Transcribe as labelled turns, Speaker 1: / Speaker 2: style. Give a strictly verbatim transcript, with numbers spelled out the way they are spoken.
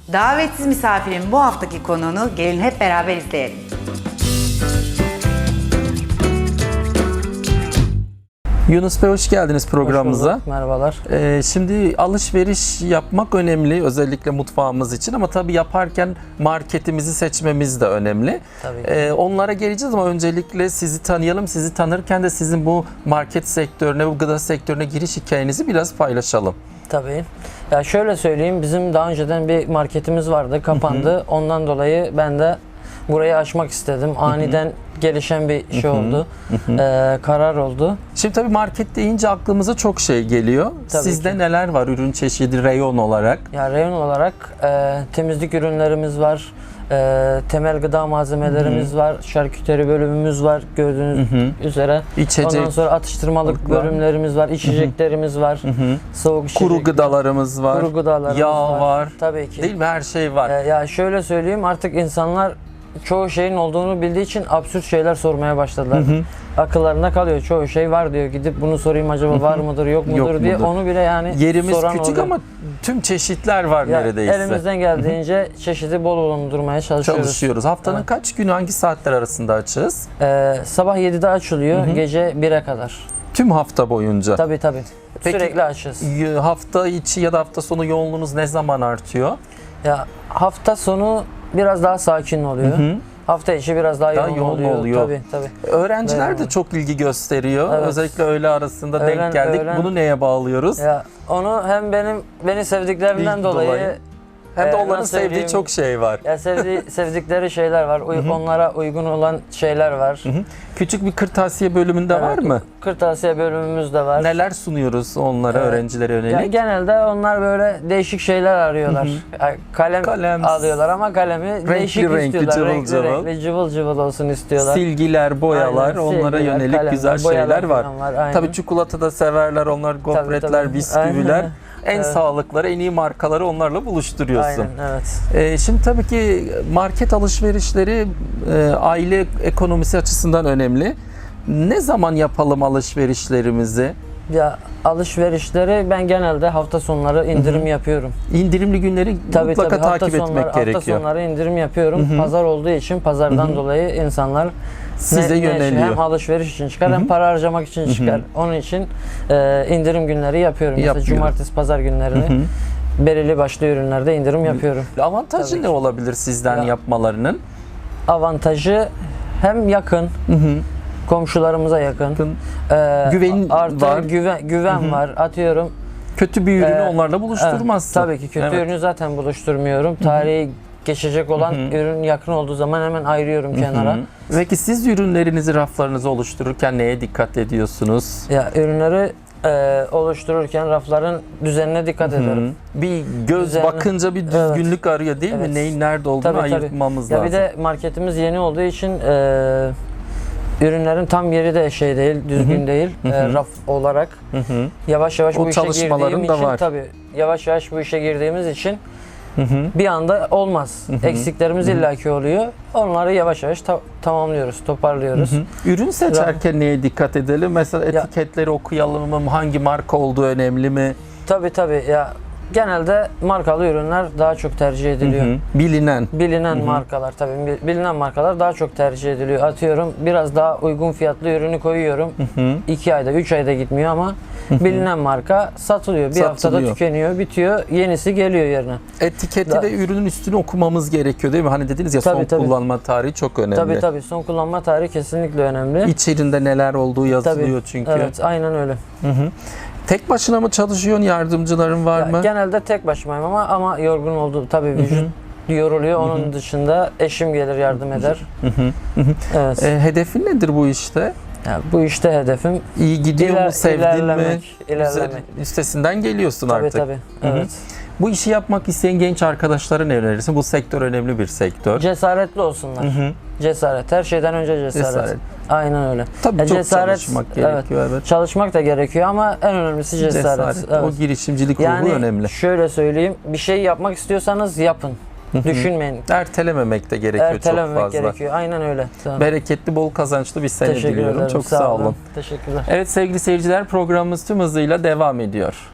Speaker 1: Davetsiz misafirin bu haftaki konuğunu gelin hep beraber izleyelim.
Speaker 2: Yunus Bey, hoş geldiniz programımıza.
Speaker 3: Hoş bulduk, merhabalar.
Speaker 2: Ee, şimdi alışveriş yapmak önemli, özellikle mutfağımız için, ama tabii yaparken marketimizi seçmemiz de önemli.
Speaker 3: Tabii ki.
Speaker 2: Ee, onlara geleceğiz ama öncelikle sizi tanıyalım. Sizi tanırken de sizin bu market sektörüne, bu gıda sektörüne giriş hikayenizi biraz paylaşalım.
Speaker 3: Tabii. Ya şöyle söyleyeyim, bizim daha önceden bir marketimiz vardı, kapandı. Hı hı. Ondan dolayı ben de burayı açmak istedim. Aniden hı hı. gelişen bir şey hı hı. oldu. Hı hı. Ee, karar oldu.
Speaker 2: Şimdi tabii market deyince aklımıza çok şey geliyor.
Speaker 3: Tabii
Speaker 2: Sizde
Speaker 3: ki.
Speaker 2: neler var ürün çeşidi, reyon olarak?
Speaker 3: Ya reyon olarak e, temizlik ürünlerimiz var. E, temel gıda malzemelerimiz hı hı. var. Şarküteri bölümümüz var gördüğünüz hı hı. üzere.
Speaker 2: İçecek.
Speaker 3: Ondan sonra atıştırmalık
Speaker 2: var.
Speaker 3: bölümlerimiz var. İçeceklerimiz var. Hı hı. Soğuk içecek.
Speaker 2: Kuru gıdalarımız var.
Speaker 3: Kuru gıdalarımız
Speaker 2: Yağ
Speaker 3: var.
Speaker 2: var.
Speaker 3: Tabii ki.
Speaker 2: Değil mi? Her şey var.
Speaker 3: E, ya şöyle söyleyeyim, artık insanlar çoğu şeyin olduğunu bildiği için absürt şeyler sormaya başladılar. Hı hı. Akıllarında kalıyor. Çoğu şey var diyor. Gidip bunu sorayım, acaba var mıdır, yok mudur, yok diye mudur? Onu bile yani
Speaker 2: yerimiz
Speaker 3: soran
Speaker 2: küçük
Speaker 3: oluyor.
Speaker 2: Ama tüm çeşitler var ya, neredeyse.
Speaker 3: Elimizden geldiğince çeşidi bol bulundurmaya çalışıyoruz.
Speaker 2: Çalışıyoruz. Haftanın evet. kaç günü, hangi saatler arasında açığız?
Speaker 3: Ee, sabah yedide açılıyor, hı hı. gece bire kadar.
Speaker 2: Tüm hafta boyunca?
Speaker 3: Tabii tabii.
Speaker 2: Peki,
Speaker 3: sürekli açız.
Speaker 2: Hafta içi ya da hafta sonu yoğunluğunuz ne zaman artıyor?
Speaker 3: Ya hafta sonu biraz daha sakin oluyor. Hı hı. Hafta içi biraz daha, daha yoğun, yoğun oluyor. oluyor. Tabii, tabii.
Speaker 2: Öğrenciler Dayanıyor. de çok ilgi gösteriyor. Evet. Özellikle öğle arasında öğlen, denk geldik. Öğlen... Bunu neye bağlıyoruz?
Speaker 3: Ya onu hem benim beni sevdiklerinden dolayı, dolayı
Speaker 2: hem de onların sevdiği çok şey var.
Speaker 3: Ya sevdiği, sevdikleri şeyler var. Uy- onlara uygun olan şeyler var. Hı hı.
Speaker 2: Küçük bir kırtasiye bölümünde evet, var mı?
Speaker 3: Kırtasiye bölümümüz de var.
Speaker 2: Neler sunuyoruz onlara, evet. öğrencilere yönelik?
Speaker 3: Yani genelde onlar böyle değişik şeyler arıyorlar. Hı hı. Yani kalem Kalem. alıyorlar ama kalemi renkli, değişik renkli, istiyorlar.
Speaker 2: Cıvıl
Speaker 3: renkli,
Speaker 2: cıvıl.
Speaker 3: renkli, cıvıl cıvıl olsun istiyorlar.
Speaker 2: Silgiler, boyalar, aynen, onlara silgiler, yönelik kalemler, güzel şeyler var. var. Tabii çikolata da severler onlar, gofretler, tabii, tabii. bisküviler. Aynen. En evet. sağlıkları, en iyi markaları onlarla buluşturuyorsun.
Speaker 3: Aynen, evet.
Speaker 2: Ee, şimdi tabii ki market alışverişleri e, aile ekonomisi açısından önemli. Ne zaman yapalım alışverişlerimizi?
Speaker 3: Ya alışverişleri ben genelde hafta sonları indirim Hı-hı. yapıyorum.
Speaker 2: İndirimli günleri tabii, mutlaka
Speaker 3: tabii.
Speaker 2: takip
Speaker 3: sonları,
Speaker 2: etmek gerekiyor.
Speaker 3: Hafta sonları indirim yapıyorum. Hı-hı. Pazar olduğu için pazardan Hı-hı. dolayı insanlar
Speaker 2: size
Speaker 3: ne,
Speaker 2: yöneliyor.
Speaker 3: Ne, hem alışveriş için çıkar Hı-hı. hem para harcamak için Hı-hı. çıkar. Onun için e, indirim günleri yapıyorum. Mesela Yapıyorum. cumartesi, pazar günlerini Hı-hı. belirli başlı ürünlerde indirim yapıyorum.
Speaker 2: Avantajı tabii ne ki. olabilir sizden ya, yapmalarının?
Speaker 3: Avantajı hem yakın. Hı-hı. Komşularımıza yakın. Ee,
Speaker 2: güven
Speaker 3: artı
Speaker 2: var.
Speaker 3: Güven, güven Hı-hı. var. Atıyorum.
Speaker 2: Kötü bir ürünü ee, onlarla buluşturmazsın.
Speaker 3: Evet, tabii ki kötü evet. ürünü zaten buluşturmuyorum. Tarihi Hı-hı. geçecek olan Hı-hı. ürün yakın olduğu zaman hemen ayırıyorum Hı-hı. kenara.
Speaker 2: Peki siz ürünlerinizi, raflarınızı oluştururken neye dikkat ediyorsunuz?
Speaker 3: Ya ürünleri e, oluştururken rafların düzenine dikkat Hı-hı. ederim.
Speaker 2: Bir göz Düzenli. bakınca bir düzgünlük evet. arıyor değil evet. mi? Neyin nerede olduğunu tabii, ayırtmamız
Speaker 3: tabii.
Speaker 2: lazım.
Speaker 3: Ya bir de marketimiz yeni olduğu için e, ürünlerin tam yeri de şey değil, düzgün Hı-hı. değil e, raf olarak. Hı-hı. Yavaş yavaş o bu işe girdiğim için var. tabii yavaş yavaş bu işe girdiğimiz için Hı-hı. bir anda olmaz. Hı-hı. Eksiklerimiz Hı-hı. illaki oluyor. Onları yavaş yavaş ta- tamamlıyoruz, toparlıyoruz. Hı-hı.
Speaker 2: Ürün seçerken neye dikkat edelim? Mesela etiketleri ya, okuyalım mı? Hangi marka olduğu önemli mi?
Speaker 3: Tabii tabii ya. Genelde markalı ürünler daha çok tercih ediliyor. Hı hı.
Speaker 2: Bilinen.
Speaker 3: Bilinen hı hı. markalar tabii. Bilinen markalar daha çok tercih ediliyor. Atıyorum biraz daha uygun fiyatlı ürünü koyuyorum. Hı hı. iki ayda, üç ayda gitmiyor ama hı hı. bilinen marka satılıyor. Bir satılıyor. haftada tükeniyor, bitiyor. Yenisi geliyor yerine.
Speaker 2: Etiketi da- ve ürünün üstünü okumamız gerekiyor değil mi? Hani dediniz ya tabii, son tabii. kullanma tarihi çok önemli.
Speaker 3: Tabii tabii. Son kullanma tarihi kesinlikle önemli.
Speaker 2: İçerinde neler olduğu yazılıyor
Speaker 3: tabii.
Speaker 2: çünkü.
Speaker 3: Evet, aynen öyle.
Speaker 2: Hı hı. Tek başına mı çalışıyorsun? Yardımcıların var
Speaker 3: ya,
Speaker 2: mı?
Speaker 3: Genelde tek başımayım ama ama yorgun oldu tabii vücut Hı-hı. yoruluyor. Onun Hı-hı. dışında eşim gelir yardım eder.
Speaker 2: Hı-hı. Evet. E, hedefin nedir bu işte?
Speaker 3: Ya, bu işte hedefim
Speaker 2: iyi gidiyor iler, mu? Sevdin
Speaker 3: ilerlemek,
Speaker 2: mi?
Speaker 3: İlerlemek.
Speaker 2: Üstesinden geliyorsun
Speaker 3: tabii,
Speaker 2: artık.
Speaker 3: Tabii tabii. Evet.
Speaker 2: Bu işi yapmak isteyen genç arkadaşlara ne önerirsin? Bu sektör önemli bir sektör.
Speaker 3: Cesaretli olsunlar. Hı-hı. Cesaret. Her şeyden önce cesaret. cesaret. Aynen öyle.
Speaker 2: Tabii
Speaker 3: ya
Speaker 2: çok
Speaker 3: cesaret,
Speaker 2: çalışmak gerekiyor.
Speaker 3: Evet.
Speaker 2: evet.
Speaker 3: Çalışmak da gerekiyor ama en önemlisi cesaret. cesaret.
Speaker 2: Evet. O girişimcilik ruhu
Speaker 3: yani
Speaker 2: önemli.
Speaker 3: Şöyle söyleyeyim. Bir şey yapmak istiyorsanız yapın. Hı-hı. Düşünmeyin.
Speaker 2: Ertelememek de gerekiyor
Speaker 3: Ertelememek
Speaker 2: çok fazla.
Speaker 3: gerekiyor. Aynen öyle. Tamam.
Speaker 2: Bereketli, bol kazançlı bir sene diliyorum.
Speaker 3: Ederim.
Speaker 2: Çok
Speaker 3: sağ,
Speaker 2: sağ
Speaker 3: olun.
Speaker 2: olun.
Speaker 3: Teşekkürler.
Speaker 2: Evet sevgili seyirciler, programımız tüm hızıyla devam ediyor.